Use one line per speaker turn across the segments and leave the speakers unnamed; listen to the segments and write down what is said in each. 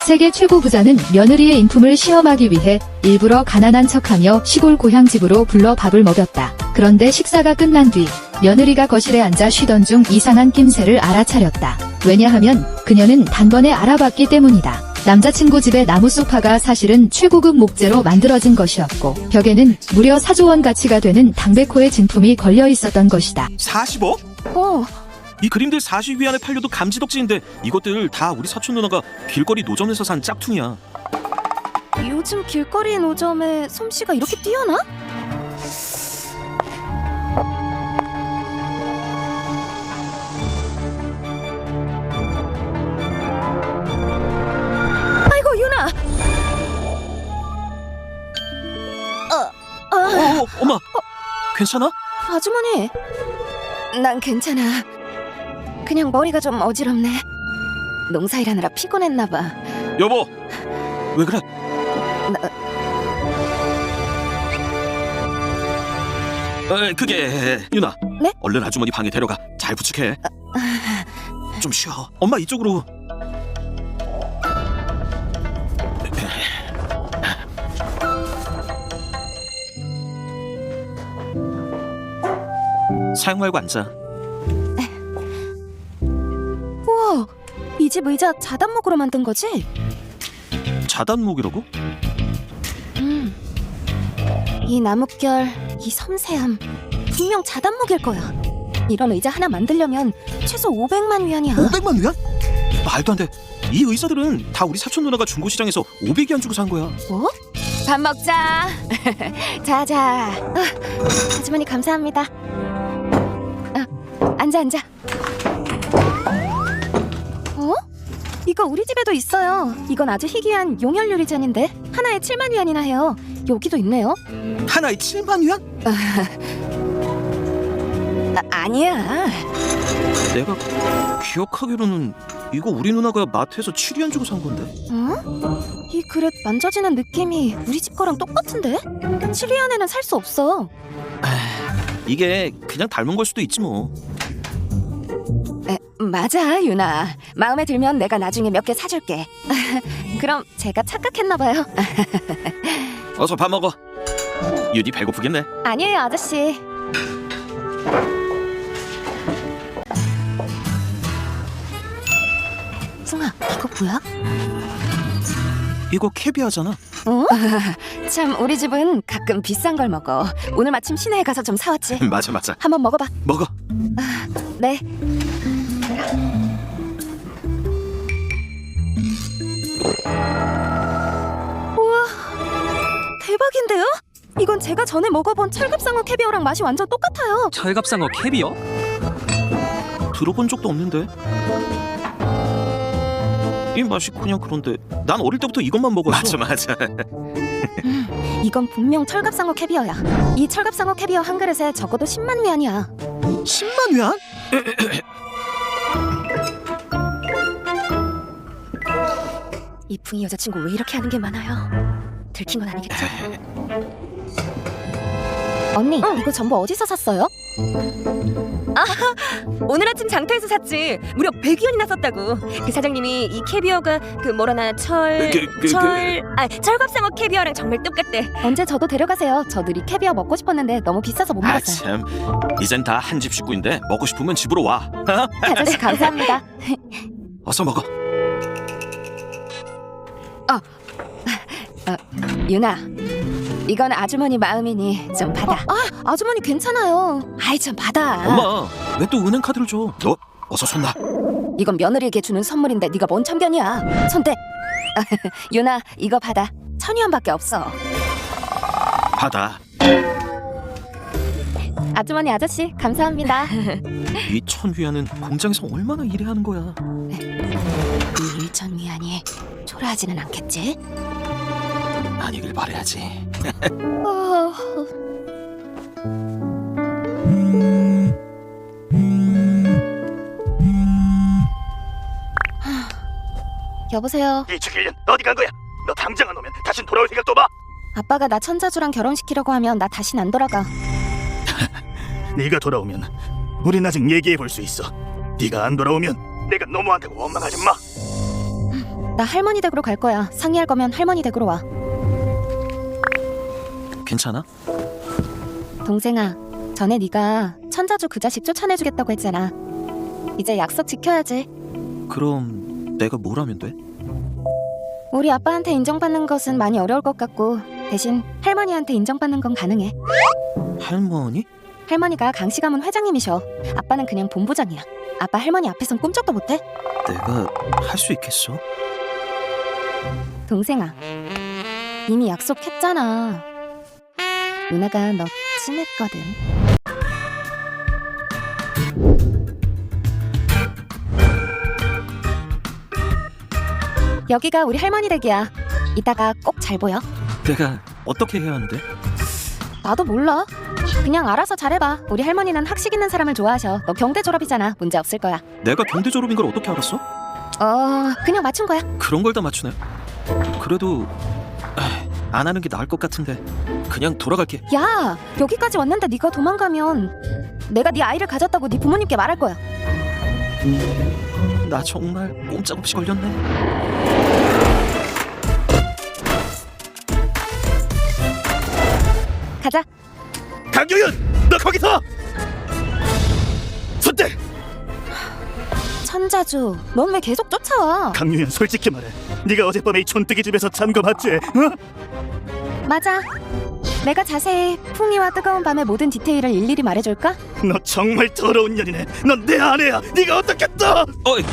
세계 최고 부자는 며느리의 인품을 시험하기 위해 일부러 가난한 척하며 시골 고향집으로 불러 밥을 먹였다. 그런데 식사가 끝난 뒤 며느리가 거실에 앉아 쉬던 중 이상한 낌새를 알아차렸다. 왜냐하면 그녀는 단번에 알아봤기 때문이다. 남자친구 집의 나무 소파가 사실은 최고급 목재로 만들어진 것이었고 벽에는 무려 4조 원 가치가 되는 당백호의 진품이 걸려 있었던 것이다.
40억? 이 그림들 40위안에 팔려도 감지덕지인데 이것들 다 우리 사촌 누나가 길거리 노점에서 산 짝퉁이야.
요즘 길거리 노점에 솜씨가 이렇게 뛰어나? 아이고 유나!
엄마! 괜찮아?
아주머니! 난 괜찮아. 그냥 머리가 좀 어지럽네. 농사일하느라 피곤했나봐.
여보! 왜 그래? 그게... 유나,
네?
얼른 아주머니 방에 데려가. 잘 부축해. 좀 쉬어. 엄마 이쪽으로. 사용 말고 앉아.
우와! 이 집 의자 자단목으로 만든 거지?
자단목이라고?
이 나뭇결, 이 섬세함 분명 자단목일 거야. 이런 의자 하나 만들려면 최소 500만 위안이야.
500만 위안? 말도 안 돼. 이 의자들은 다 우리 사촌 누나가 중고시장에서 500위안 주고 산 거야.
뭐? 밥 먹자. 자자. 아주머니 감사합니다. 앉아. 어? 이거 우리 집에도 있어요. 이건 아주 희귀한 용혈 유리잔인데 하나에 7만 위안이나 해요. 여기도 있네요.
하나에 7만 위안?
아니야.
내가 기억하기로는 이거 우리 누나가 마트에서 7위안 주고 산 건데.
이 그릇 만져지는 느낌이 우리 집 거랑 똑같은데? 7위안에는 살 수 없어.
이게 그냥 닮은 걸 수도 있지 뭐.
맞아 유나. 마음에 들면 내가 나중에 몇 개 사줄게. 그럼 제가 착각했나봐요.
어서 밥 먹어. 유디 배고프겠네.
아니에요 아저씨. 승아 이거 뭐야?
이거 캐비아잖아.
참 우리 집은 가끔 비싼 걸 먹어. 오늘 마침 시내에 가서 좀 사왔지.
맞아.
한번 먹어봐.
먹어.
네. 우와 대박인데요? 이건 제가 전에 먹어본 철갑상어 캐비어랑 맛이 완전 똑같아요.
철갑상어 캐비어?
들어본 적도 없는데. 이 맛이 그냥 그런데 난 어릴 때부터 이것만 먹었어. 맞아.
이건 분명 철갑상어 캐비어야. 이 철갑상어 캐비어 한 그릇에 적어도 10만 위안이야.
10만 위안?
이 붕이 여자친구 왜 이렇게 하는 게 많아요? 들킨 건 아니겠죠? 언니 이거 전부 어디서 샀어요?
오늘 아침 장터에서 샀지. 무려 100위안이나 썼다고. 그 사장님이 이 캐비어가 그 뭐라나 철갑상어 캐비어랑 정말 똑같대.
언제 저도 데려가세요. 저도 이 캐비어 먹고 싶었는데 너무 비싸서 못 먹었어요.
참. 이젠 다 한 집 식구인데 먹고 싶으면 집으로 와.
아저씨 감사합니다.
어서 먹어.
유나 이건 아주머니 마음이니 좀 받아. 아주머니 괜찮아요. 아이 좀 받아.
엄마 왜 또 은행 카드를 줘? 너 어서 손 놔.
이건 며느리에게 주는 선물인데 네가 뭔 참견이야. 손대. 유나 이거 받아. 1000위안밖에 없어.
받아.
아주머니 아저씨 감사합니다.
이 1000위안은 공장에서 얼마나 일해하는 거야.
이 1000위안이 초라하지는 않겠지?
아니길 바라야지.
여보세요.
이주길년 어디 간 거야? 너 당장 안 오면 다신 돌아올 생각도 마.
아빠가 나 천자주랑 결혼시키려고 하면 나 다신 안 돌아가.
네가 돌아오면 우린 아직 얘기해 볼 수 있어. 네가 안 돌아오면 내가 너무한다고 원망하지 마.
나 할머니 댁으로 갈 거야. 상의할 거면 할머니 댁으로 와.
괜찮아?
동생아, 전에 네가 천자주 그 자식 쫓아내주겠다고 했잖아. 이제 약속 지켜야지.
그럼 내가 뭘 하면 돼?
우리 아빠한테 인정받는 것은 많이 어려울 것 같고 대신 할머니한테 인정받는 건 가능해.
할머니?
할머니가 강씨 가문 회장님이셔. 아빠는 그냥 본부장이야. 아빠 할머니 앞에선 꿈쩍도 못해?
내가 할 수 있겠어?
동생아, 이미 약속했잖아. 누나가 너 친했거든. 여기가 우리 할머니 댁이야. 이따가 꼭 잘 보여.
내가 어떻게 해야 하는데?
나도 몰라. 그냥 알아서 잘해봐. 우리 할머니는 학식 있는 사람을 좋아하셔. 너 경대 졸업이잖아. 문제 없을 거야.
내가 경대 졸업인 걸 어떻게 알았어?
그냥 맞춘 거야.
그런 걸 다 맞추네. 그래도 안 하는 게 나을 것 같은데 그냥 돌아갈게.
야, 여기까지 왔는데 네가 도망가면 내가 네 아이를 가졌다고 네 부모님께 말할 거야.
나 정말 꼼짝없이 걸렸네.
가자.
강유윤, 너 거기서! 손대!
천자주, 넌 왜 계속 쫓아와?
강유윤, 솔직히 말해. 네가 어젯밤에 이 촌뜨기 집에서 잠궈봤지? 어?
맞아. 내가 자세히 풍이와 뜨거운 밤의 모든 디테일을 일일이 말해줄까?
너 정말 더러운 년이네. 넌 내 아내야. 네가 어떻게 또?
어이.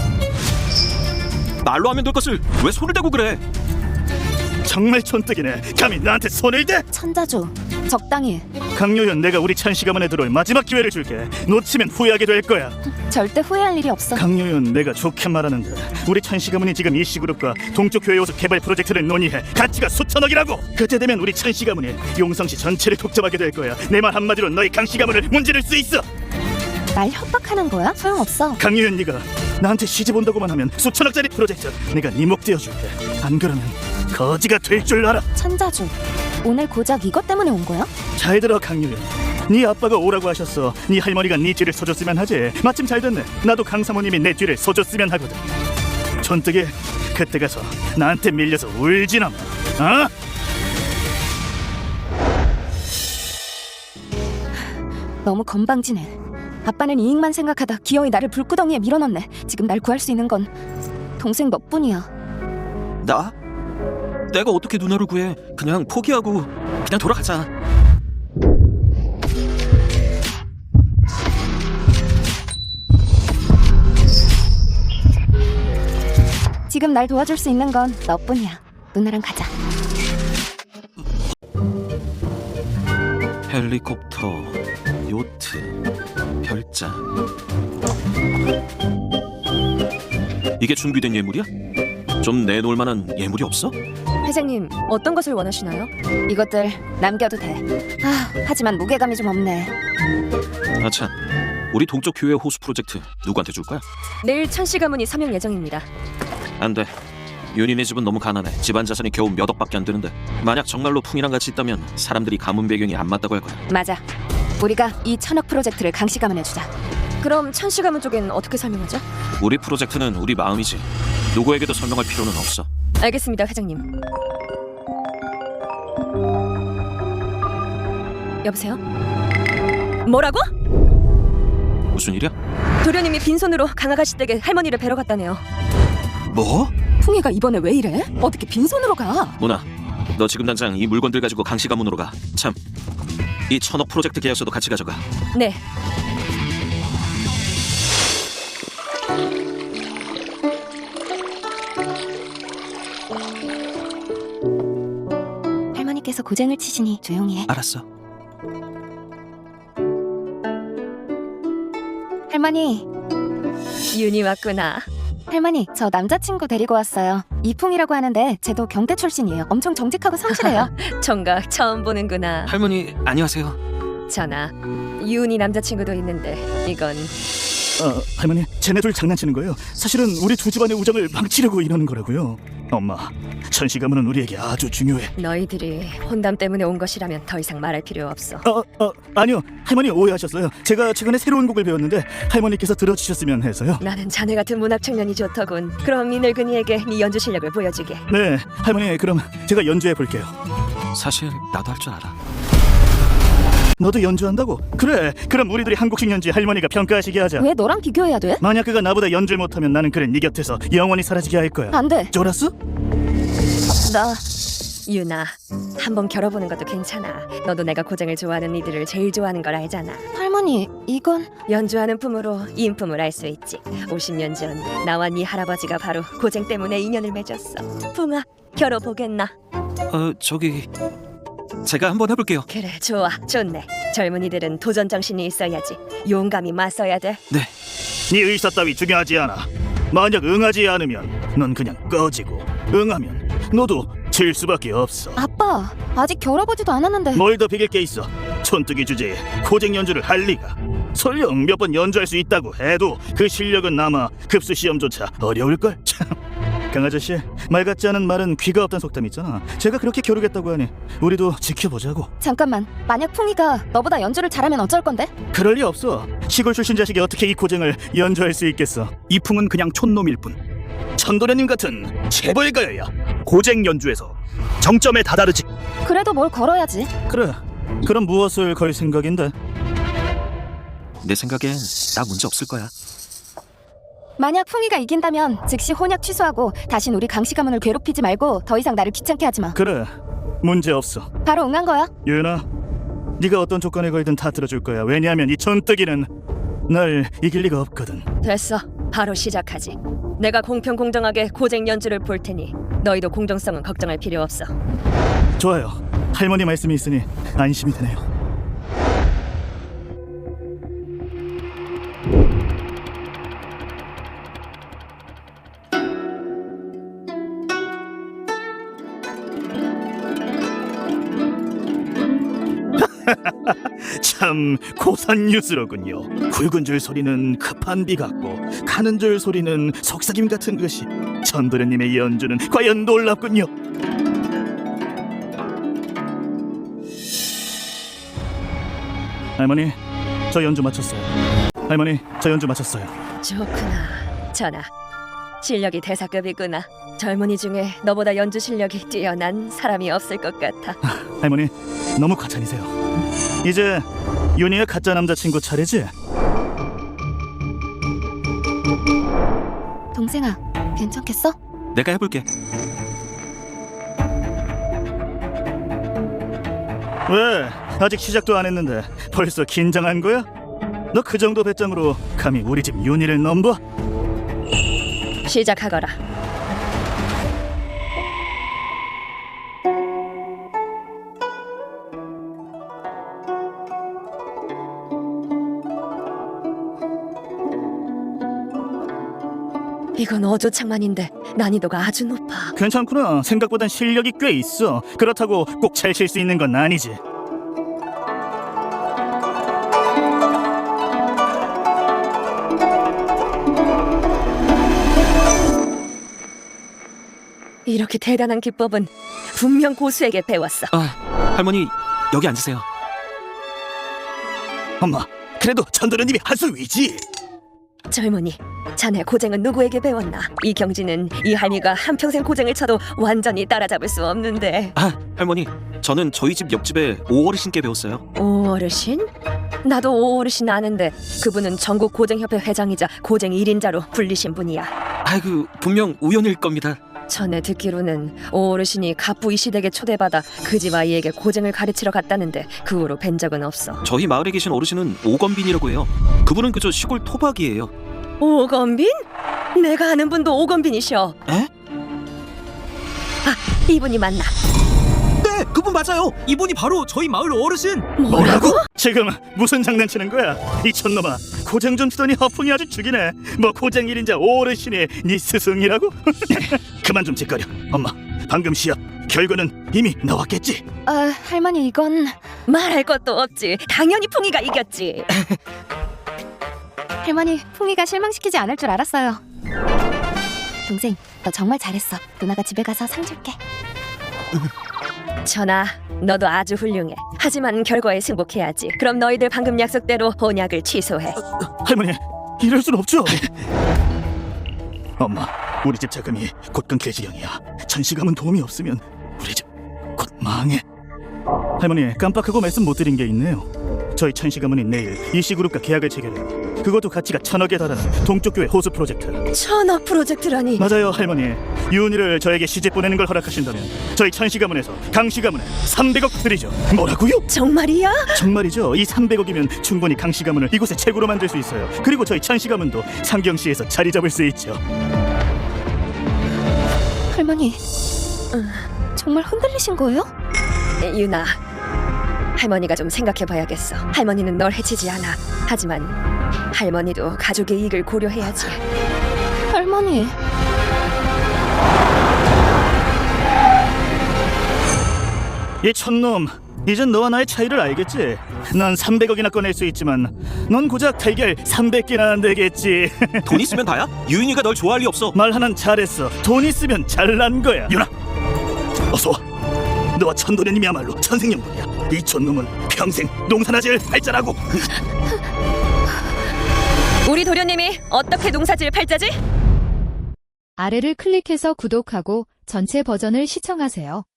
말로 하면 될 것을 왜 손을 대고 그래?
정말 촌뜨기네. 감히 나한테 손을 대?
천자주, 적당히 해.
강유윤, 내가 우리 찬씨 가문에 들어올 마지막 기회를 줄게. 놓치면 후회하게 될 거야.
절대 후회할 일이 없어.
강유윤, 내가 좋게 말하는데 우리 찬씨 가문이 지금 이씨그룹과 동쪽 교회 호수 개발 프로젝트를 논의해. 가치가 수천억이라고. 그때 되면 우리 찬씨 가문이 용성시 전체를 독점하게 될 거야. 내 말 한마디로 너희 강씨 가문을 문지를 수 있어.
날 협박하는 거야? 소용없어.
강유윤, 네가 나한테 시집 온다고만 하면 수천억짜리 프로젝트 내가 네 목 떼어줄게. 안 그러면 거지가 될 줄 알아.
천자주, 오늘 고작 이것 때문에 온 거야?
잘 들어 강유윤. 네 아빠가 오라고 하셨어. 네 할머니가 네 뒤를 서줬으면 하지. 마침 잘 됐네. 나도 강 사모님이 내 뒤를 서줬으면 하거든. 촌뜨기, 그때 가서 나한테 밀려서 울지나 마. 어?
너무 건방지네. 아빠는 이익만 생각하다 기어이 나를 불구덩이에 밀어넣네. 지금 날 구할 수 있는 건 동생 너뿐이야.
나? 내가 어떻게 누나를 구해? 그냥 포기하고 그냥 돌아가자.
지금 날 도와줄 수 있는 건 너뿐이야. 누나랑 가자.
헬리콥터, 요트, 별장. 이게 준비된 예물이야? 좀 내놓을 만한 예물이 없어?
회장님, 어떤 것을 원하시나요?
이것들 남겨도 돼. 하지만 무게감이 좀 없네.
아참, 우리 동쪽 교회 호수 프로젝트 누구한테 줄 거야?
내일 천씨 가문이 서명 예정입니다.
안 돼. 윤희네 집은 너무 가난해. 집안 자산이 겨우 몇 억밖에 안 되는데 만약 정말로 풍이랑 같이 있다면 사람들이 가문 배경이 안 맞다고 할 거야.
맞아. 우리가 이 천억 프로젝트를 강씨 가문에 주자.
그럼 천씨 가문 쪽엔 어떻게 설명하죠?
우리 프로젝트는 우리 마음이지. 누구에게도 설명할 필요는 없어.
알겠습니다, 회장님. 여보세요? 뭐라고?
무슨 일이야?
도련님이 빈손으로 강아가씨 댁에 할머니를 뵈러 갔다네요.
뭐?
풍이가 이번에 왜 이래? 어떻게 빈손으로 가?
문아, 너 지금 당장 이 물건들 가지고 강씨 가문으로 가. 참, 이 천억 프로젝트 계약서도 같이 가져가.
네.
할머니께서 고쟁을 치시니 조용히 해.
알았어.
할머니,
윤이 왔구나.
할머니, 저 남자친구 데리고 왔어요. 이풍이라고 하는데 쟤도 경대 출신이에요. 엄청 정직하고 성실해요.
정각 처음 보는구나.
할머니 안녕하세요.
전하, 윤이 남자친구도 있는데 이건
할머니, 쟤네 둘 장난치는 거예요. 사실은 우리 두 집안의 우정을 망치려고 이러는 거라고요. 엄마, 천씨 가문은 우리에게 아주 중요해.
너희들이 혼담 때문에 온 것이라면 더 이상 말할 필요 없어.
아니요, 할머니 오해하셨어요. 제가 최근에 새로운 곡을 배웠는데 할머니께서 들어주셨으면 해서요.
나는 자네 같은 문학 청년이 좋더군. 그럼 이 늙은이에게 네 연주 실력을 보여주게.
네, 할머니, 그럼 제가 연주해 볼게요.
사실 나도 할 줄 알아.
너도 연주한다고? 그래, 그럼 우리들이 한 곡씩 연주해 할머니가 평가하시게 하자.
왜 너랑 비교해야 돼?
만약 그가 나보다 연주를 못하면 나는 그를 네 곁에서 영원히 사라지게 할 거야.
안 돼.
쫄았어?
나
유나, 한번 겨뤄보는 것도 괜찮아. 너도 내가 고쟁을 좋아하는 이들을 제일 좋아하는 걸 알잖아.
할머니, 이건
연주하는 품으로 인품을 알 수 있지. 50년 전 나와 네 할아버지가 바로 고쟁 때문에 인연을 맺었어. 풍아, 겨뤄보겠나?
저기 제가 한번 해볼게요.
그래, 좋아, 좋네. 젊은이들은 도전 정신이 있어야지. 용감히 맞서야 돼.
네.
네 의사 따위 중요하지 않아. 만약 응하지 않으면 넌 그냥 꺼지고, 응하면 너도 질 수밖에 없어.
아빠, 아직 겨뤄보지도 않았는데.
뭘 더 비길 게 있어. 촌뜨기 주제에 고쟁 연주를 할 리가. 설령 몇 번 연주할 수 있다고 해도 그 실력은 아마 급수 시험조차 어려울걸. 참. 강아저씨, 말 같지 않은 말은 귀가 없다는 속담 있잖아. 제가 그렇게 겨루겠다고 하니 우리도 지켜보자고.
잠깐만, 만약 풍이가 너보다 연주를 잘하면 어쩔 건데?
그럴 리 없어. 시골 출신 자식이 어떻게 이 고쟁을 연주할 수 있겠어.
이풍은 그냥 촌놈일 뿐.
천도련님 같은 재벌가여야.
고쟁 연주에서 정점에 다다르지.
그래도 뭘 걸어야지.
그래, 그럼 무엇을 걸 생각인데?
내 생각엔 나 문제 없을 거야.
만약 풍이가 이긴다면 즉시 혼약 취소하고 다신 우리 강씨 가문을 괴롭히지 말고 더 이상 나를 귀찮게 하지 마.
그래, 문제 없어.
바로 응한 거야.
유연아, 네가 어떤 조건에 걸든 다 들어줄 거야. 왜냐하면 이 촌뜨기는 날 이길 리가 없거든.
됐어, 바로 시작하지. 내가 공평 공정하게 고쟁 연주를 볼 테니 너희도 공정성은 걱정할 필요 없어.
좋아요. 할머니 말씀이 있으니 안심이 되네요. 참 고산유스로군요. 굵은 줄 소리는 급한 비 같고 가는 줄 소리는 속삭임 같은 것이. 천도련님의 연주는 과연 놀랍군요. 할머니, 저 연주 마쳤어요. 할머니, 저 연주 마쳤어요.
좋구나, 전하. 실력이 대사급이구나. 젊은이 중에 너보다 연주 실력이 뛰어난 사람이 없을 것 같아.
할머니, 너무 과찬이세요. 이제 윤희의 가짜 남자친구 차례지?
동생아, 괜찮겠어?
내가 해볼게.
왜? 아직 시작도 안 했는데 벌써 긴장한 거야? 너 그 정도 배짱으로 감히 우리 집 윤희를 넘봐?
시작하거라. 이건 어조창만인데 난이도가 아주 높아.
괜찮구나. 생각보단 실력이 꽤 있어. 그렇다고 꼭 잘 칠 수 있는 건 아니지.
이렇게 대단한 기법은 분명 고수에게 배웠어.
할머니 여기 앉으세요.
엄마, 그래도 천도련님이 한 수 위지.
젊은이, 자네 고쟁은 누구에게 배웠나? 이 경지는 이 할미가 한평생 고쟁을 쳐도 완전히 따라잡을 수 없는데.
할머니, 저는 저희 집 옆집에 오어르신께 배웠어요.
오어르신? 나도 오어르신 아는데 그분은 전국 고쟁협회 회장이자 고쟁 1인자로 불리신 분이야.
분명 우연일 겁니다.
전에 듣기로는 오어르신이 갑부 이시댁에 초대받아 그 집 아이에게 고쟁을 가르치러 갔다는데 그 후로 뵌 적은 없어.
저희 마을에 계신 어르신은 오건빈이라고 해요. 그분은 그저 시골 토박이에요.
오건빈? 내가 아는 분도 오건빈이셔.
에?
이분이 맞나?
네, 그분 맞아요. 이분이 바로 저희 마을 어르신.
뭐라고?
지금 무슨 장난치는 거야? 이 촌놈아, 고쟁 좀 치더니 허풍이 아주 죽이네. 뭐 고쟁 1인자 오어르신이 네 스승이라고? 그만 좀 짓거려. 엄마, 방금 시합 결과는 이미 나왔겠지?
할머니, 이건
말할 것도 없지. 당연히 풍이가 이겼지.
할머니, 풍이가 실망시키지 않을 줄 알았어요. 동생, 너 정말 잘했어. 누나가 집에 가서 상 줄게.
전하, 너도 아주 훌륭해. 하지만 결과에 승복해야지. 그럼 너희들 방금 약속대로 혼약을 취소해.
할머니, 이럴 순 없죠. 엄마, 우리 집 자금이 곧 끊길 지경이야. 천시감은 도움이 없으면 우리 집 곧 망해. 할머니, 깜빡하고 말씀 못 드린 게 있네요. 저희 천시가문이 내일 이씨그룹과 계약을 체결해요. 그것도 가치가 1,000억에 달하는 동쪽교회 호수 프로젝트.
1,000억 프로젝트라니.
맞아요, 할머니. 유은이를 저에게 시집 보내는 걸 허락하신다면 저희 천시가문에서 강시가문에 300억 드리죠. 뭐라고요?
정말이야?
정말이죠. 이 300억이면 충분히 강시가문을 이곳의 최고로 만들 수 있어요. 그리고 저희 천시가문도 상경시에서 자리 잡을 수 있죠.
할머니, 정말 흔들리신 거예요?
유나, 할머니가 좀 생각해봐야겠어. 할머니는 널 해치지 않아. 하지만 할머니도 가족의 이익을 고려해야지.
할머니.
이 촌놈, 이젠 너와 나의 차이를 알겠지? 난 300억이나 꺼낼 수 있지만 넌 고작 달걀 300개나 안 되겠지.
돈 있으면 다야? 유인이가 널 좋아할 리 없어.
말 하나는 잘했어. 돈 있으면 잘난 거야. 유나, 어서 와. 너와 천도련님이야말로 천생연분이야. 이 촌놈은 평생 농사나 지을 팔자라고.
우리 도련님이 어떻게 농사지을 팔자지?
아래를 클릭해서 구독하고 전체 버전을 시청하세요.